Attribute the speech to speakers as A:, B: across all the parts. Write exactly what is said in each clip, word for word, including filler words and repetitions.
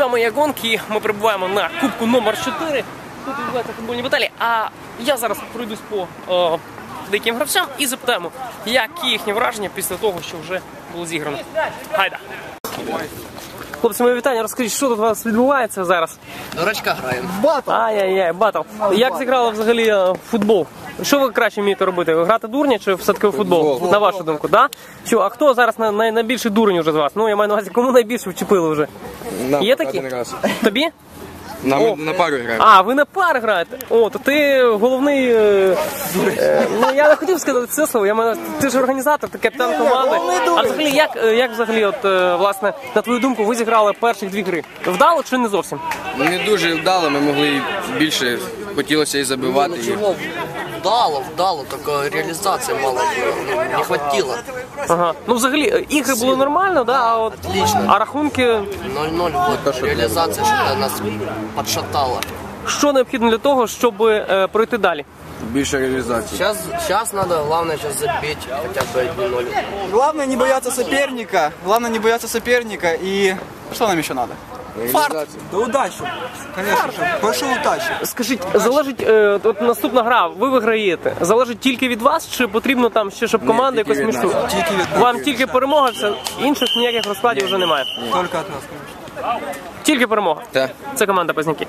A: вами я Гонк, і ми перебуваємо на кубку номер чотири. Тут відбуваються футбольні баталії, а я зараз пройдусь по е, деяким гравцям і запитаємо, які їхні враження після того, що вже було зіграно. Гайда! Хлопці, моє вітання, розкажіть, що тут у вас відбувається зараз?
B: Дурачка граємо.
A: Батл! Ай-яй-яй, батл. Як зіграли взагалі е, в футбол? Що ви краще вмієте робити? Грати дурня чи все-таки в футбол? футбол? На вашу думку, да? Що, а хто зараз най най найбільший дурень вже з вас? Ну, я маю на увазі, кому найбільше вчепили вже?
C: Нам
A: є такі? Тобі?
C: Нам О. на пару граємо.
A: А, ви на пари граєте? О, то ти головний... Е, е, ну, я не хотів сказати це слово, я маю, ти ж організатор, ти капітан команди. А взагалі, як, як взагалі, от, е, власне, на твою думку, ви зіграли перших дві гри? Вдало чи не зовсім?
C: Не дуже вдало, ми могли більше, хотілося і забивати.
B: Ну, чого? Вдало, вдало, тільки реалізації мало не хватило.
A: Ага. Ну, взагалі, ігри були нормально, да? А, от, а рахунки...
B: нуль-нуль, от, реалізація, що нас підшатала.
A: Що необхідно для того, щоб е, пройти далі?
C: Більше реалізації.
B: Сейчас, сейчас надо, главное, сейчас забить хотя бы один ноль.
D: Главное не бояться соперника, главное не бояться соперника и что нам еще надо? Фарт! Да удачу! Конечно же, большой удачи!
A: Скажіть, залежить, е, от наступна гра, ви виграєте, залежить тільки від вас, чи потрібно там ще, щоб команда якось між собою? Вам тільки перемога, все, інших ніяких розкладів вже немає?
D: Только от нас, конечно.
A: Тільки перемога?
C: Так.
A: Це команда Позняки.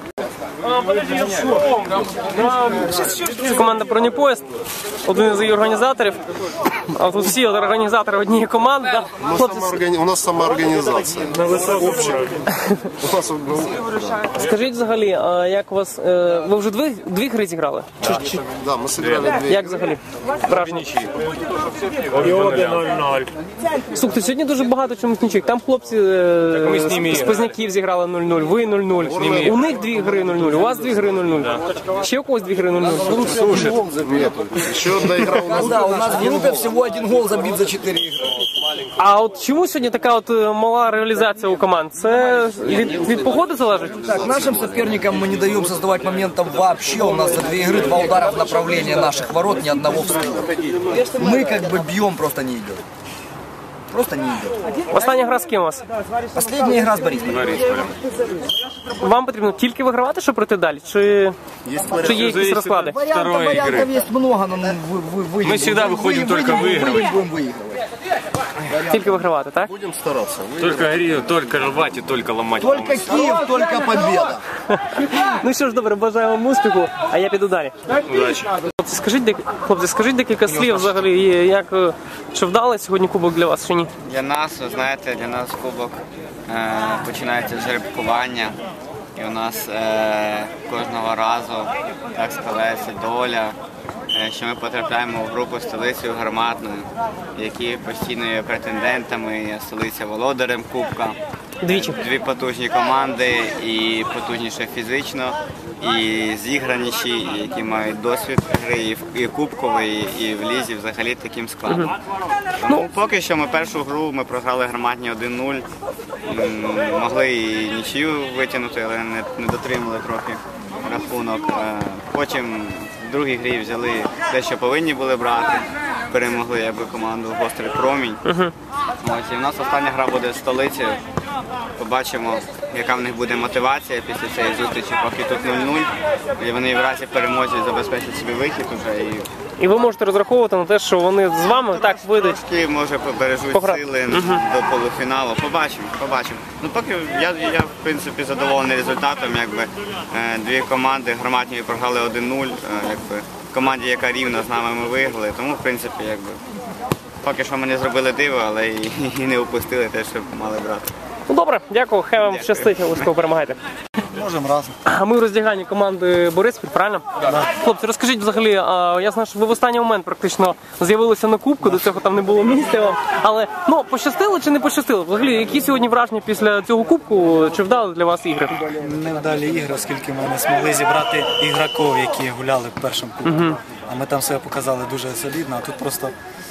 A: Це команда Бронепоїзд, один із її організаторів. А тут всі організатори однієї команди. Да?
E: У нас самоорганізація.
A: Скажіть взагалі, а як у вас, е, ви вже дві, дві гри зіграли?
E: Так,
A: Чи, чи...
E: да, ми зіграли дві.
A: Як взагалі? Враження? Слухайте, сьогодні дуже багато чомусь нічих. Там хлопці е, з Позняків зіграли нуль нуль, ви нуль нуль. У них дві гри нуль нуль, у вас дві гри нуль нуль. Ще у когось дві гри нуль нуль.
E: Ще одна ігра у нас.
B: Да, у нас в группе всего один гол забит за четыре игры.
A: А от чому сьогодні така от мала реалізація у команд? Це від, від погоди залежить?
F: Так, нашим соперникам мы не даем создавать моментов вообще. У нас за две игры два удара в направлении наших ворот, ни одного в сторону. Мы как бы бьем, просто не идет. Просто не идет.
A: Остання гра з ким у вас?
F: Последняя игра с Борисполем.
A: Вам потрібно тільки вигравати, щоб пройти далі? Чи, чи є якісь розклади?
F: Вариантов, вариантов есть много, но мы, вы, вы,
C: Мы всегда выходим только выигрывать.
F: Будем выигрывать.
A: Тільки вигравати, так?
E: Будемо старатися.
C: Только горі, только рвати, только ламати.
F: Только Киев, только победа.
A: Ну що ж, добре, бажаю вам успіху, а я піду далі.
C: Удачі.
A: Хлопці, скажіть, дек... Хлопці, скажіть декілька слів взагалі, як, чи вдалий сьогодні кубок для вас, чи ні?
G: Для нас, ви знаєте, для нас кубок е, починається з жеребкування. І у нас е, кожного разу так складається доля, е, що ми потрапляємо в групу з столицею Гарматною, які постійно є претендентами, є столиця володарем кубка.
A: Двічі.
G: Дві потужні команди, і потужніше фізично, і зіграніші, які мають досвід гри і в і кубкової, і в лізі взагалі таким складом. Тому поки що ми першу гру ми програли Гарматні один нуль, могли і нічию витягнути, але не, не дотримали трохи рахунок. Потім в другій грі взяли те, що повинні були брати, перемогли якби команду Гострий Промінь. Ось, і в нас остання гра буде з столицею. Побачимо, яка в них буде мотивація після цієї зустрічі, поки тут нуль нуль. І вони в разі перемоги забезпечать собі вихід уже. І...
A: І ви можете розраховувати на те, що вони з вами так вийдуть.
G: Трошки, може, побережуть
A: Погра...
G: сили угу. до полуфіналу. Побачимо, побачимо. Ну, поки я, я в принципі, задоволений результатом. Якби, дві команди Гарматні програли один нуль. Якби, команді, яка рівна з нами, ми виграли. Тому, в принципі, якби, поки що ми не зробили диво, але і, і не упустили те, що мали брати.
A: Ну добре, дякую, хай вам щастить, обов'язково перемагайте.
D: Можем разом.
A: А ми в роздяганні команди Бориспіль, правильно? Да. Хлопці, розкажіть взагалі, я знаю, що ви в останній момент практично з'явилися на кубку, до цього там не було місця вам, але ну, пощастило чи не пощастило? Взагалі, які сьогодні враження після цього кубку, чи вдали для вас ігри?
H: Невдалі ігри, оскільки ми не змогли зібрати ігроків, які гуляли в першому кубку. Угу. А ми там себе показали дуже солідно, а тут просто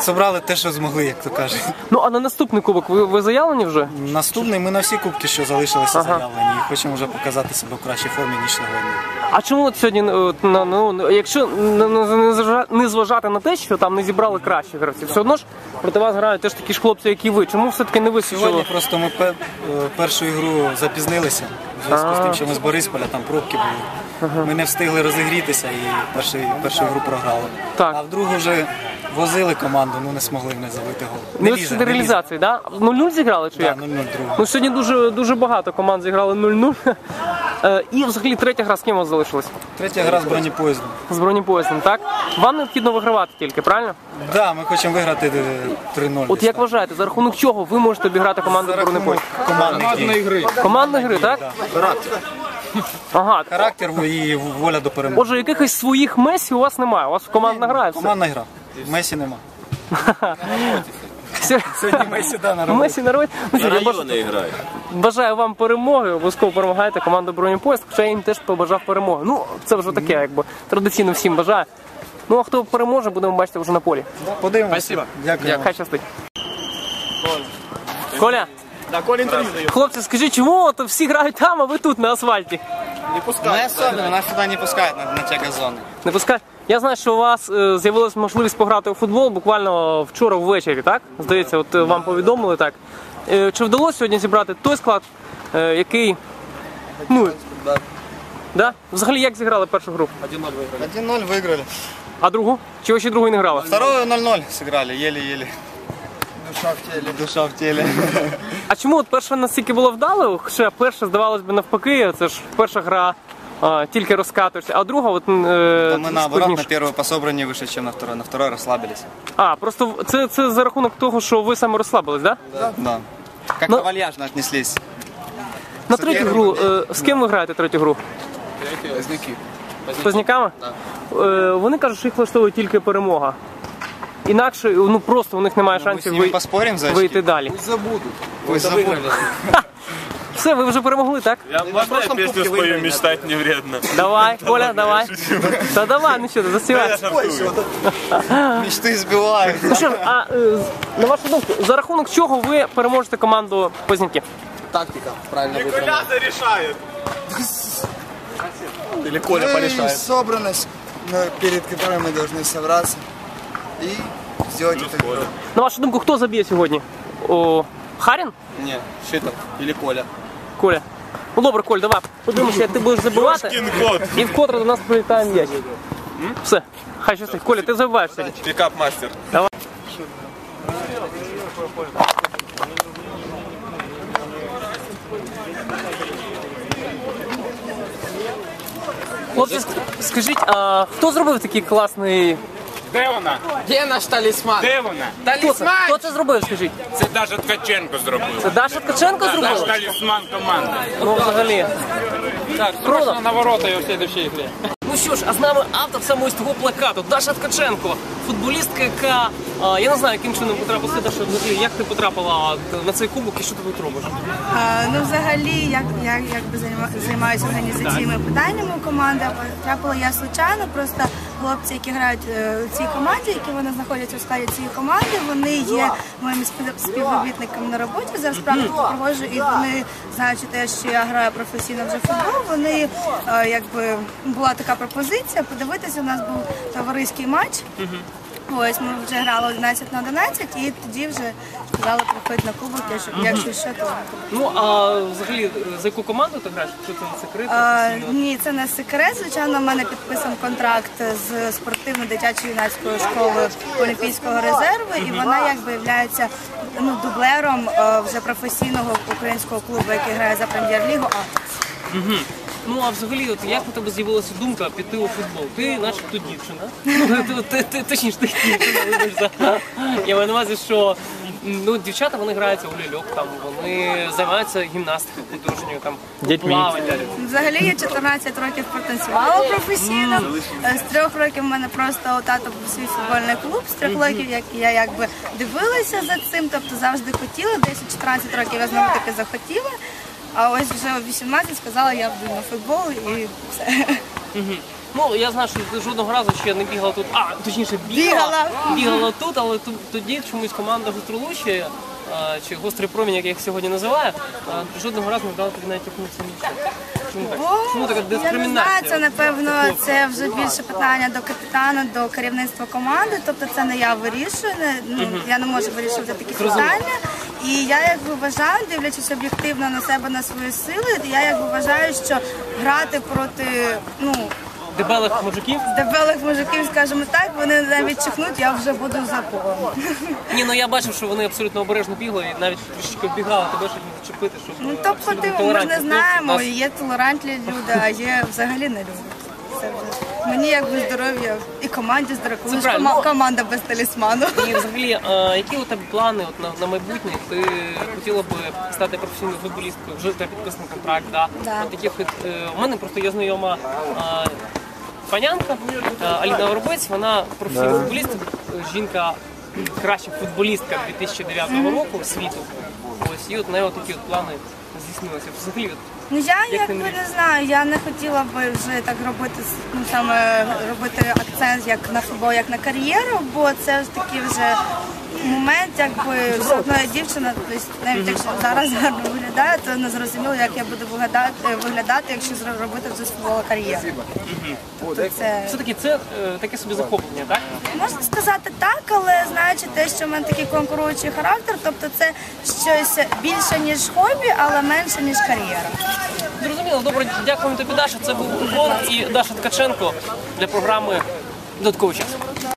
H: Зібрали те, що змогли, як то кажуть.
A: Ну а на наступний кубок ви, ви заявлені вже?
H: Наступний ми на всі кубки, що залишилися, ага. заявлені. І хочемо вже показати себе в кращій формі, ніж сьогодні.
A: А чому от сьогодні, от, на, ну, якщо не зважати на те, що там не зібрали кращих гравців, все одно ж проти вас грають теж такі ж хлопці, як і ви. Чому все-таки не висвічили?
H: Сьогодні просто ми пер, першу ігру запізнилися. В зв'язку з тим, що ми з Борисполя, там пробки були. Ага. Ми не встигли розігрітися і першу, першу гру програли.
A: Так.
H: А в другу вже возили команду, ну не змогли не забити гол.
A: Не лізе, не реалізації, так? Да? нуль-нуль зіграли чи
H: да,
A: як?
H: нуль-нуль другу.
A: Ну сьогодні дуже, дуже багато команд зіграли нуль-нуль. І взагалі третя гра з ким у вас залишилась?
H: Третя гра з бронепоїздом.
A: З бронепоїздом, так? Вам необхідно вигравати тільки, правильно?
H: Так, да, ми хочемо виграти три нуль.
A: От як вважаєте, за рахунок чого ви можете обіграти команду бронепоїзд?
H: Командної
A: гри. Командної гри, так?
H: Да. Характер.
A: Ага.
H: Характер і воля до перемоги.
A: Отже, якихось своїх Месі у вас немає, у вас командна гра. Все.
H: Командна гра. Месі нема.
A: Сьогодні
H: Месі, да, на роботі.
A: Месі на роботі. Ну, що, я баж... Бажаю вам перемоги, обов'язково перемагайте команду бронепоїзд, хоча я їм теж побажав перемоги. Ну, це вже таке, якби, традиційно всім бажаю. Ну, а хто переможе, будемо бачити вже на полі.
H: Подивимося.
A: Спасибо.
H: Дякую.
A: Хай щастить. Коля. Да, Коля інтерв'ю дає. Хлопці, скажіть, чому от всі грають там, а ви тут на асфальті?
I: Не пускають. Не особливо, нас сюди не пускають на, на ті газони.
A: Не пускають? Я знаю, що у вас е, з'явилася можливість пограти у футбол буквально вчора ввечері, так? Здається, от е, вам повідомили так. Е, чи вдалося сьогодні зібрати той склад, е, який... Ну,
I: да.
A: Да? Взагалі, як зіграли першу гру?
I: один нуль виграли. один нуль виграли.
A: А другу? Чи ви ще другу не грали?
I: Вторую нуль нуль сыграли, еле-еле. Душа в теле. Душа в теле.
A: А чому от перша настільки було вдало? Ще перша, здавалось би, навпаки, це ж перша гра, а, тільки розкатуєшся, а друга от... Е,
I: ми наоборот на першу по собранні вище, ніж на второй. На второй розслабились.
A: А, просто це, це за рахунок того, що ви саме розслабились, так?
I: Да? Да. Как
A: Но...
I: вальяжно отнеслись.
A: На третю гру, е, з ким ви граєте третю гру?
C: Позняки.
A: З Позняками?
C: Так.
A: Е, вони кажуть, що їх влаштовує тільки перемога. Інакше, ну просто у них немає
I: Ну,
A: шансів
I: ви... поспорим за
A: вийти далі.
C: Пусть забудут.
I: Пусть забудут.
A: Все, ви вже перемогли, так?
J: Я можно я песню спою «Мечтать не вредно»?
A: Давай, Коля, давай. Та давай, ну що ти, заспівай.
I: Мечти збивають.
A: Ну що ж, а е, на вашу думку, за рахунок чого ви переможете команду Позняків?
C: Тактика, правильно выбрана.
J: Коля зарешает.
I: Или Коля порешает.
K: Собранность, перед которой мы должны собраться и сделать это.
A: На вашу думку, хто заб'є сьогодні? О, Харін?
I: Ні, Шитов. Или Коля.
A: Коля. Ну добре, Коль, давай. Подивимося, як ти будеш забивати. І вкотре до нас прилітає м'яч. Все, хай щастить. Коля, ти забиваєш сьогодні.
J: Пикап-мастер.
A: Давай. Хлопці, скажіть, а хто зробив такий класний...
J: Де вона?
C: Де наш талісман?
J: Де вона?
A: Хто це? Хто це зробив, скажіть?
J: Це Даша Ткаченко зробила.
A: Це Даша Ткаченко
J: Наш
A: зробила?
J: талісман команди.
A: Ну, взагалі. Так, круто.
J: На ворота і у слідчій грі.
A: Ну що ж, а з нами автор саме ось того плакату, Даша Ткаченко, футболістка, яка, а, я не знаю, яким чином потрапила, Даша, як ти потрапила на цей кубок і що ти тут робиш?
L: А, ну, взагалі, як, як, якби займа- займаюся організаційними питаннями у команди, потрапила я случайно, просто хлопці, які грають е, у цій команді, які вони знаходяться у складі цієї команди, вони є моїми спів- співробітниками на роботі, зараз практику проводжу, і вони, знаючи те, що я граю професійно вже в футбол, вони, е, якби, була така пропозиція, подивитися, у нас був товариський матч. Ось ми вже грали одинадцять на одинадцять і тоді вже сказали приходь на кубок, якщо що, то...
A: Ну, а взагалі, за яку команду ти граєш? Чи це не секрет?
L: А, ні, це не секрет. Звичайно, в мене підписаний контракт з спортивно-дитячо-юнацькою школою Олімпійського резерву, і вона якби є ну, дублером а, вже професійного українського клубу, який грає за прем'єр-лігу.
A: Угу. Ну, а взагалі, от як у тебе з'явилася думка піти у футбол? Ти начебто дівчина. Ну, ти, ти, точніше, ти дівчина, вибачте. Я маю на увазі, що ну, дівчата, вони граються у ляльок, там, вони займаються гімнастикою художньою, там, плавання.
L: Взагалі я чотирнадцять років протанцювала професійно. З трьох років в мене просто у тата був свій футбольний клуб. З трьох років як я якби дивилася за цим, тобто завжди хотіла. десять-чотирнадцять років я знову таки захотіла. А ось вже у вісімнадцять сказала, я буду на футбол і все.
A: Угу. Ну, я знаю, що ти жодного разу ще не бігала тут, а, точніше, бігала,
L: Бігала.
A: бігала тут, але тут, тоді чомусь команда Гостролуччя, чи Гострий промінь, як я їх сьогодні називаю, а, жодного разу не вдала тобі навіть якомусь місці. Чому так? Чому така
L: Я не знаю,
A: дискримінація?
L: це напевно це вже більше питання до капітана, до керівництва команди. Тобто це не я вирішую, не, ну, я не можу вирішувати такі питання. І я якби вважаю, дивлячись об'єктивно на себе, на свої сили, я якби вважаю, що грати проти ну
A: Дебелих мужиків?
L: дебелих мужиків, скажімо так, вони навіть чихнуть, я вже буду за полем.
A: Ні, ну я бачив, що вони абсолютно обережно бігли і навіть трішки оббігали тебе, щоб не зачепити, щоб
L: Ну
A: е,
L: тобто
A: абсолютно
L: ти, ми ж
A: толерантні
L: не знаємо,
A: хлопці. Нас-
L: є толерантні люди, а є взагалі не люди. Це вже мені якби здоров'я і команді здоров'я, коли ж
A: правильно.
L: кома- команда без талісману.
A: І взагалі, е, які у тебе плани от, на, на майбутнє? Ти хотіла б стати професійною футболісткою, вже у тебе підписаний контракт, да?
L: Да.
A: От яких, от, е, у мене просто є знайома е, панянка е, Аліна Воробець, вона професійна футболістка, жінка краща футболістка дві тисячі дев'ятого року світу. Ось, і от в неї от такі от плани здійснилися. Взагалі, от,
L: Ну я
A: Як ти
L: якби
A: мрієш?
L: не знаю, я не хотіла би вже так робити, ну саме робити акцент як на футбол, як на кар'єру, бо це ж такий вже момент, якби все одно я дівчина, тобто навіть якщо зараз гарно виглядаю, то не зрозуміло, як я буду виглядати, виглядати, якщо зро- робити вже з футболу кар'єру. Тобто це
A: все-таки це е, таке собі захоплення, так?
L: можна сказати так, але знаючи те, що в мене такий конкуруючий характер, тобто це щось більше ніж хобі, але менше ніж кар'єра.
A: Зрозуміло, добре, дякуємо тобі, Даша. Це був Купон і Даша Ткаченко для програми «Додатковий час».